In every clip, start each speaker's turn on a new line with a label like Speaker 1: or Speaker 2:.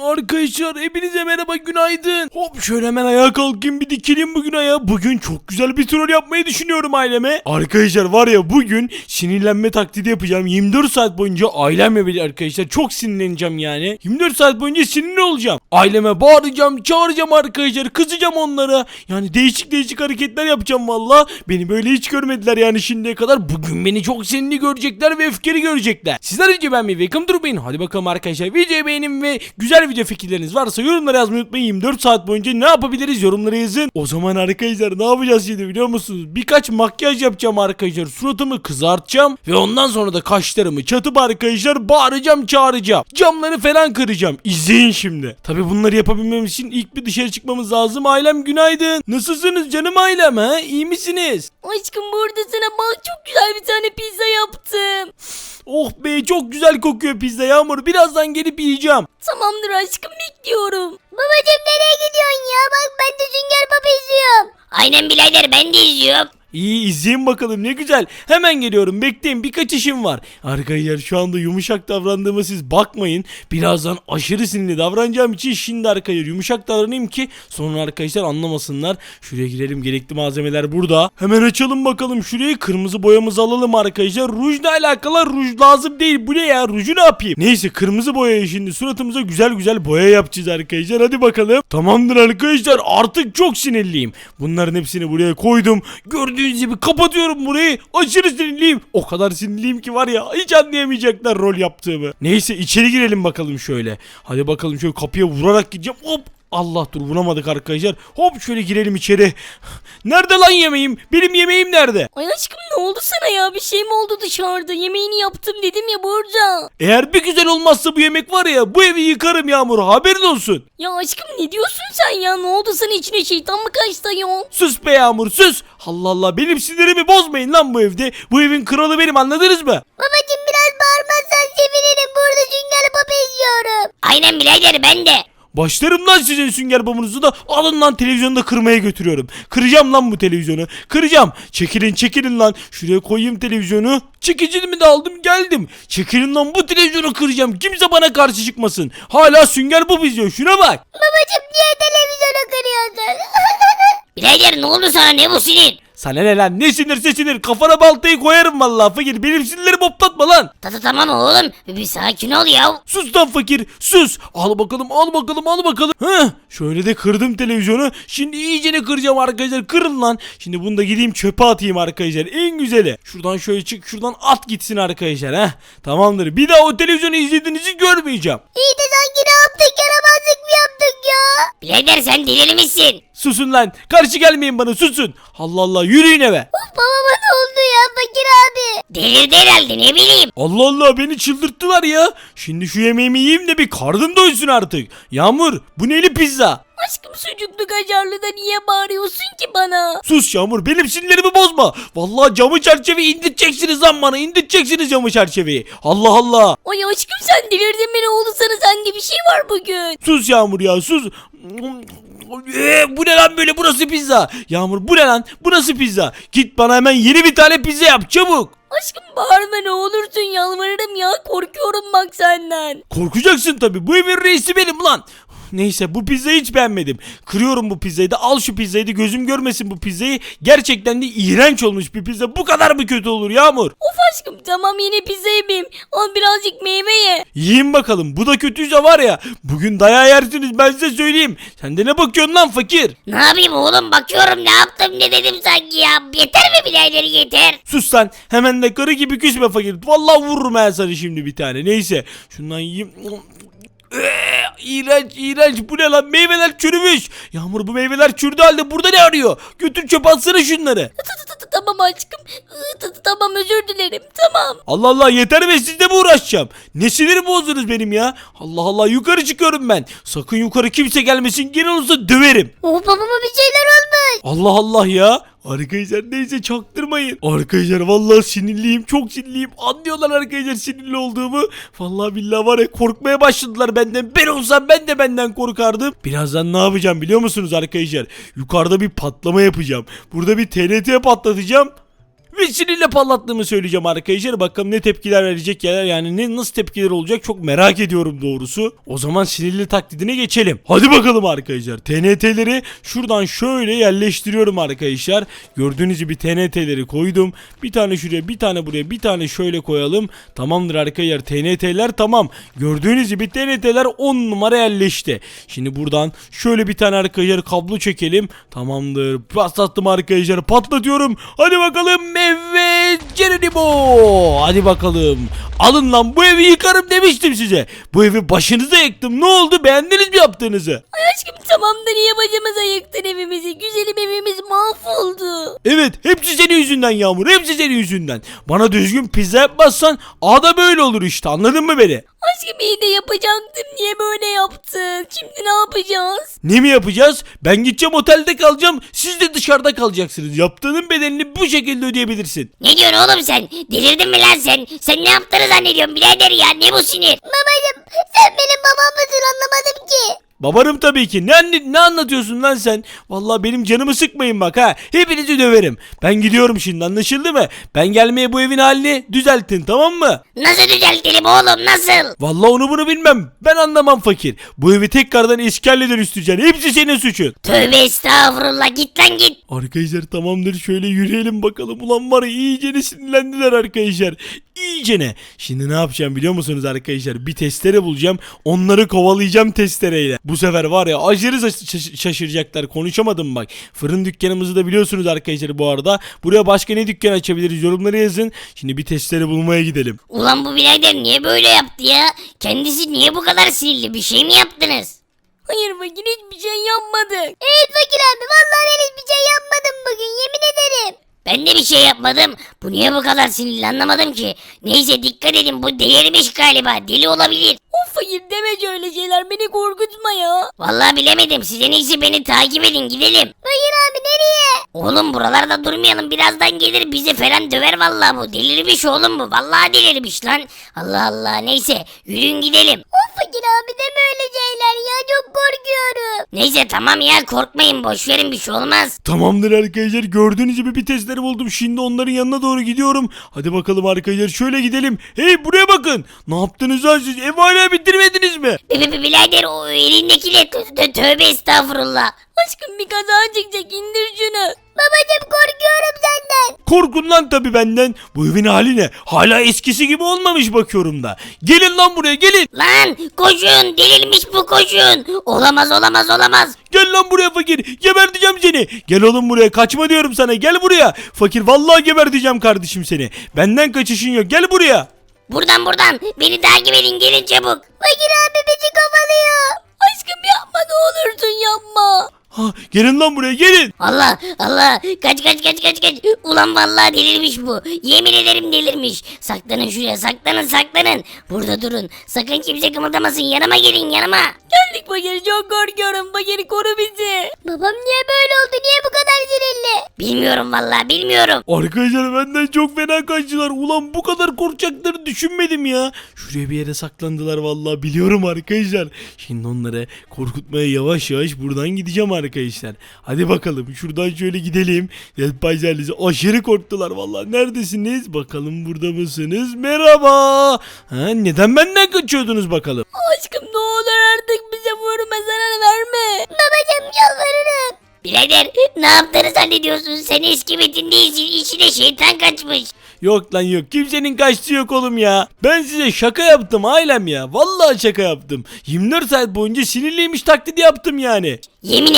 Speaker 1: Arkadaşlar hepinize merhaba, günaydın. Hop şöyle hemen ayağa kalkayım, bir dikileyim bugün ayağa. Bugün çok güzel bir troll yapmayı düşünüyorum aileme. Arkadaşlar var ya, bugün sinirlenme taklidi yapacağım. 24 saat boyunca ailemle birlikte arkadaşlar çok sinirleneceğim yani. 24 saat boyunca sinirli olacağım. Aileme bağıracağım, çağıracağım arkadaşlar, kızacağım onlara. Yani değişik hareketler yapacağım valla. Beni böyle hiç görmediler yani şimdiye kadar. Bugün beni çok sinirli görecekler ve öfkeli görecekler. Sizler önce ben bir welcome durmayın. Hadi bakalım arkadaşlar, videoyu beğenin ve güzel video fikirleriniz varsa yorumlara yazmayı unutmayın. 24 saat boyunca ne yapabiliriz yorumlara yazın. O zaman arkadaşlar ne yapacağız şimdi biliyor musunuz? Birkaç makyaj yapacağım arkadaşlar. Suratımı kızartacağım ve ondan sonra da kaşlarımı çatıp arkadaşlar bağıracağım, çağıracağım. Camları falan kıracağım. İzleyin şimdi. Tabi bunları yapabilmem için ilk bir dışarı çıkmamız lazım. Ailem günaydın. Nasılsınız canım ailem, ha? İyi misiniz?
Speaker 2: Aşkım burada sana bak, çok güzel bir tane pizza yaptım.
Speaker 1: Oh be, çok güzel kokuyor pizza Yağmur. Birazdan gelip yiyeceğim.
Speaker 2: Tamamdır aşkım, bekliyorum.
Speaker 3: Babacım nereye gidiyorsun ya? Bak ben de Sünger Baba izliyorum.
Speaker 2: Aynen birader, ben de izliyorum.
Speaker 1: İyi, izleyin bakalım, ne güzel. Hemen geliyorum, bekleyin, birkaç işim var. Arkadaşlar şu anda yumuşak davrandığıma siz bakmayın. Birazdan aşırı sinirli davranacağım için şimdi arkadaşlar yumuşak davranayım ki sonra arkadaşlar anlamasınlar. Şuraya girelim, gerekli malzemeler burada. Hemen açalım bakalım şurayı, kırmızı boyamızı alalım arkadaşlar. Rujla alakalı, ruj lazım değil. Bu ne ya, ruju ne yapayım? Neyse, kırmızı boyayı şimdi suratımıza güzel boya yapacağız arkadaşlar. Hadi bakalım. Tamamdır arkadaşlar, artık çok sinirliyim. Bunların hepsini buraya koydum. Gördüğünüz gibi kapatıyorum burayı. Aşırı sinirliyim. O kadar sinirliyim ki var ya, hiç anlayamayacaklar rol yaptığımı. Neyse, içeri girelim bakalım şöyle. Hadi bakalım, şöyle kapıya vurarak gideceğim. Hop. Allah, dur vuramadık arkadaşlar. Hop şöyle girelim içeri. Nerede lan yemeğim? Benim yemeğim nerede?
Speaker 2: Ay aşkım, ne oldu sana ya? Bir şey mi oldu dışarıda? Yemeğini yaptım dedim ya burada.
Speaker 1: Eğer bir güzel olmazsa bu yemek var ya, bu evi yıkarım Yağmur, haberin olsun.
Speaker 2: Ya aşkım ne diyorsun sen ya? Ne oldu sana, içine şeytan mı kaçtı ya?
Speaker 1: Sus be Yağmur, sus. Allah Allah, benim sinirimi bozmayın lan bu evde. Bu evin kralı benim, anladınız mı?
Speaker 3: Babacım biraz bağırmazsan sevinirim. Burada Sünger Baba izliyorum.
Speaker 2: Aynen birader, ben de.
Speaker 1: Başlarım lan sizin sünger babanızı da, alın lan televizyonu da kırmaya götürüyorum. Kıracağım lan bu televizyonu. Kıracağım. Çekilin lan. Şuraya koyayım televizyonu. Çekicimi de aldım geldim. Çekilin lan, bu televizyonu kıracağım. Kimse bana karşı çıkmasın. Hala sünger baba izliyor, şuna bak.
Speaker 3: Babacım niye televizyonu kırıyorsun?
Speaker 2: Birader ne oldu sana, ne bu sinir?
Speaker 1: Sana ne lan, ne sinirse sinir, kafana baltayı koyarım vallahi fakir, benim sinirlerimi hoplatma lan.
Speaker 2: Tamam oğlum, bir sakin ol ya.
Speaker 1: Sus lan fakir, sus. Al bakalım. Heh, şöyle de kırdım televizyonu. Şimdi iyicene kıracağım arkadaşlar, kırın lan. Şimdi bunu da gideyim çöpe atayım arkadaşlar, en güzeli. Şuradan şöyle çık, şuradan at gitsin arkadaşlar. Heh, tamamdır, bir daha o televizyonu izlediğinizi görmeyeceğim.
Speaker 3: İyi de sanki ne yaptık, yaramazlık mı yaptık ya?
Speaker 2: Birader sen delirmişsin.
Speaker 1: Susun lan, karşı gelmeyin bana, susun. Allah Allah, yürüyün eve.
Speaker 3: Babama ne oldu ya fakir abi?
Speaker 2: Delirdi herhalde, ne bileyim.
Speaker 1: Allah Allah, beni çıldırttılar ya. Şimdi şu yemeğimi yiyeyim de bir karnım doysun artık. Yağmur, bu neli pizza?
Speaker 2: Aşkım sucuklu kaşarlı da niye bağırıyorsun ki bana?
Speaker 1: Sus Yağmur, benim sinirlerimi bozma. Vallahi camı çerçeveyi indirteceksiniz lan bana, indirteceksiniz camı çerçeveyi. Allah Allah.
Speaker 2: Ay aşkım sen delirdin mi, ne oldu sana, sende bir şey var bugün.
Speaker 1: Sus Yağmur ya, sus. Bu ne lan böyle, burası pizza. Yağmur, bu ne lan, burası pizza. Git bana hemen yeni bir tane pizza yap çabuk.
Speaker 2: Aşkım bağırma ne olursun, yalvarırım ya, korkuyorum bak senden.
Speaker 1: Korkacaksın tabi, bu evin reisi benim lan. Neyse, bu pizzayı hiç beğenmedim. Kırıyorum bu pizzayı da, al şu pizzayı da, gözüm görmesin bu pizzayı. Gerçekten de iğrenç olmuş bir pizza. Bu kadar mı kötü olur Yağmur?
Speaker 2: Of aşkım tamam, yine pizza yemeyeyim. Al birazcık meyve ye.
Speaker 1: Yiyin bakalım, bu da kötüyse var ya, bugün dayağı yersiniz, ben size söyleyeyim. Sen de ne bakıyorsun lan fakir?
Speaker 2: Ne yapayım oğlum, bakıyorum, ne yaptım ne dedim sanki ya. Yeter mi birader, yeter.
Speaker 1: Sus lan, hemen de karı gibi küsme fakir. Vallahi vururum ben sana şimdi bir tane. Neyse, şundan yiyeyim. İğrenç, bu ne lan, meyveler çürümüş. Yağmur, bu meyveler çürdü halde burada ne arıyor? Götür çöpe atsana şunları.
Speaker 2: Tamam aşkım, tamam özür dilerim, tamam.
Speaker 1: Allah Allah, yeter be, sizle mi uğraşacağım? Ne sinir bozdunuz benim ya? Allah Allah, yukarı çıkıyorum ben. Sakın yukarı kimse gelmesin, gene olursa döverim.
Speaker 3: Oh babama bir şeyler olmuş.
Speaker 1: Allah Allah ya. Arkadaşlar neyse, çaktırmayın. Arkadaşlar vallahi sinirliyim, çok sinirliyim. Anlıyorlar arkadaşlar sinirli olduğumu. Vallahi billahi var ya, korkmaya başladılar benden. Ben olsam ben de benden korkardım. Birazdan ne yapacağım biliyor musunuz arkadaşlar? Yukarıda bir patlama yapacağım. Burada bir TNT patlatacağım. ve sinirle patlattığımı söyleyeceğim arkadaşlar. Bakalım ne tepkiler verecek ya, yani nasıl tepkiler olacak çok merak ediyorum doğrusu. O zaman sinirli taklidine geçelim. Hadi bakalım arkadaşlar. TNT'leri şuradan şöyle yerleştiriyorum arkadaşlar. Gördüğünüz gibi TNT'leri koydum. Bir tane şuraya, bir tane buraya, bir tane şöyle koyalım. Tamamdır arkadaşlar. TNT'ler tamam. Gördüğünüz gibi TNT'ler 10 numara yerleşti. Şimdi buradan şöyle bir tane arkadaşlar kablo çekelim. Tamamdır. Patlattım arkadaşlar. Patlatıyorum. Hadi bakalım. Evet. Geronimo. Hadi bakalım. Alın lan, bu evi yıkarım demiştim size. Bu evi başınıza yıktım. Ne oldu? Beğendiniz mi yaptığınızı?
Speaker 2: Ay aşkım tamam da niye başımıza yıktın evimizi? Güzelim evimiz mahvoldu.
Speaker 1: Evet, hepsi senin yüzünden Yağmur. Hepsi senin yüzünden. Bana düzgün pizza yapmazsan da böyle olur işte. Anladın mı beni?
Speaker 2: Aşkım iyi de yapacaktım. Niye böyle yaptın? Şimdi ne yapacağız?
Speaker 1: Ne mi yapacağız? Ben gideceğim otelde kalacağım. Siz de dışarıda kalacaksınız. Yaptığının bedelini bu şekilde ödeyebilirsin.
Speaker 2: Ne diyorsun oğlum sen? Delirdin mi lan sen? Sen ne yaptığını zannediyorsun birader ya? Ne bu sinir?
Speaker 3: Babacım sen benim babam mısın anlamadım ki.
Speaker 1: Babarım tabii ki. Ne anlatıyorsun lan sen? Vallahi benim canımı sıkmayın bak ha. Hepinizi döverim. Ben gidiyorum şimdi, anlaşıldı mı? Ben gelmeye bu evin halini düzeltin, tamam mı?
Speaker 2: Nasıl düzeltelim oğlum nasıl?
Speaker 1: Vallahi onu bunu bilmem. Ben anlamam fakir. Bu evi tekrardan eski haline dönüştüreceksin. Hepsi senin suçun.
Speaker 2: Tövbe estağfurullah git lan git.
Speaker 1: Arkadaşlar tamamdır, şöyle yürüyelim bakalım. Ulan var ya, iyicene sinirlendiler arkadaşlar. İyicene. Şimdi ne yapacağım biliyor musunuz arkadaşlar? Bir testere bulacağım. Onları kovalayacağım testereyle. Bu sefer var ya aşırı şaşıracaklar. Konuşamadım bak. Fırın dükkanımızı da biliyorsunuz arkadaşlar bu arada. Buraya başka ne dükkan açabiliriz? Yorumlara yazın. Şimdi bir testere bulmaya gidelim.
Speaker 2: Ulan bu birader niye böyle yaptı ya? Kendisi niye bu kadar sinirli? Bir şey mi yaptınız? Hayır fakir hiçbir şey yapmadık.
Speaker 3: Evet fakir abi vallahi ben hiçbir şey yapmadım bugün yemin ederim.
Speaker 2: Ben de bir şey yapmadım. Bu niye bu kadar sinirli anlamadım ki. Neyse dikkat edin bu delirmiş galiba. Deli olabilir. Of fakir deme öyle şeyler beni korkutma ya. Vallahi bilemedim. Siz en iyisi beni takip edin gidelim.
Speaker 3: Fakir abi nereye?
Speaker 2: Oğlum buralarda durmayalım. Birazdan gelir bizi falan döver vallahi bu. Delirmiş oğlum bu. Vallahi delirmiş lan. Allah Allah neyse yürüyün gidelim.
Speaker 3: Of fakir abi deme öyle şeyler ya çok korkuyorum.
Speaker 2: Neyse tamam ya korkmayın boş verin bir şey olmaz.
Speaker 1: Tamamdır arkadaşlar, gördüğünüz gibi bir testleri buldum. Şimdi onların yanına doğru gidiyorum. Hadi bakalım arkadaşlar, şöyle gidelim. Hey buraya bakın. Ne yaptınız lan siz? Ev hala bitirmediniz mi?
Speaker 2: Birader o elindekiyle tövbe estağfurullah. Aşkım bir kaza çıkacak indir şunu.
Speaker 3: Babacım korkuyorum senden.
Speaker 1: Korkun lan tabi benden. Bu evin hali ne? Hala eskisi gibi olmamış bakıyorum da. Gelin lan buraya, gelin.
Speaker 2: Lan koşun delirmiş bu koşun. Olamaz olamaz olamaz.
Speaker 1: Gel lan buraya fakir. Geberteceğim seni. Gel oğlum buraya. Kaçma diyorum sana. Gel buraya. Fakir vallahi geberteceğim kardeşim seni. Benden kaçışın yok. Gel buraya.
Speaker 2: Buradan beni takip edin gelin çabuk.
Speaker 3: Fakir abi bizi kovalıyor.
Speaker 2: Aşkım yapma ne olursun yapma.
Speaker 1: Ha, gelin lan buraya, gelin.
Speaker 2: Allah Allah kaç. Ulan vallahi delirmiş bu. Yemin ederim delirmiş. Saklanın şuraya saklanın. Burada durun. Sakın kimse kımıldamasın yanıma gelin yanıma. Geldik Bakır çok korkuyorum. Bakır koru bizi.
Speaker 3: Babam niye böyle oldu niye bu kadar sinirli?
Speaker 2: Bilmiyorum vallahi bilmiyorum.
Speaker 1: Arkadaşlar benden çok fena kaçtılar. Ulan bu kadar korkacaklarını düşünmedim ya. Şuraya bir yere saklandılar vallahi, biliyorum arkadaşlar. Şimdi onları korkutmaya yavaş yavaş buradan gideceğim arkadaşlar. Hadi bakalım şuradan şöyle gidelim. Payzerlisi aşırı korktular vallahi. Neredesiniz? Bakalım burada mısınız? Merhaba. Ha, neden benden kaçıyordunuz bakalım?
Speaker 2: Aşkım ne olur artık bize vurma zarar verme.
Speaker 3: Babacım yalvarırım.
Speaker 2: Birader ne yaptığını zannediyorsun? Sen eski Metin değilsin. İçine şeytan kaçmış.
Speaker 1: Yok lan yok. Kimsenin kaçtığı yok oğlum ya. Ben size şaka yaptım ailem ya. Vallahi şaka yaptım. 24 saat boyunca sinirliymiş taklidi yaptım yani.
Speaker 2: Yemin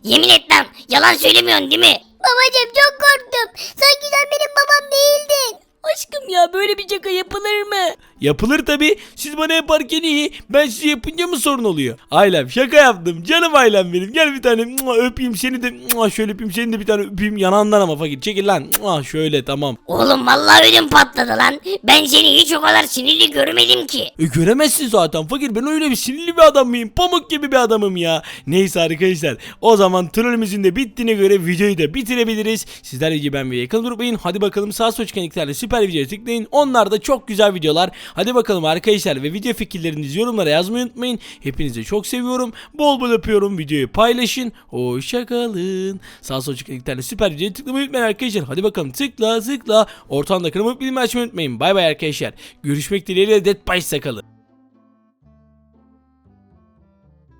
Speaker 2: et lan. Yalan söylemiyorsun değil mi?
Speaker 3: Babacım çok korktum. Sanki sen benim babam değildin.
Speaker 2: Aşkım ya böyle bir şaka yapılır mı?
Speaker 1: Yapılır tabi. Siz bana yaparken iyi. Ben size yapınca mı sorun oluyor? Ailem şaka yaptım. Canım ailem benim. Gel bir tane öpeyim seni de. Şöyle öpeyim seni de bir tane öpeyim yanağından ama fakir. Çekil lan. Şöyle tamam.
Speaker 2: Oğlum vallahi ödüm patladı lan. Ben seni hiç o kadar sinirli görmedim ki.
Speaker 1: Göremezsin zaten fakir. Ben öyle bir sinirli bir adam mıyım? Pamuk gibi bir adamım ya. Neyse arkadaşlar. O zaman trollümüzün de bittiğine göre videoyu da bitirebiliriz. Sizler gibi ben ve yakın durmayın. Hadi bakalım sağ sol çıkan iktidarla süper videoya tıklayın. Onlar da çok güzel videolar. Hadi bakalım arkadaşlar ve video fikirlerinizi yorumlara yazmayı unutmayın. Hepinizi çok seviyorum. Bol bol öpüyorum. Videoyu paylaşın. Hoşçakalın. Sağ sol çıkan iki tane süper videoya tıklamayı unutmayın arkadaşlar. Hadi bakalım tıkla. Ortamda kırmızı bildirim açmayı unutmayın. Bay bay arkadaşlar. Görüşmek dileğiyle. Dead by sakalın.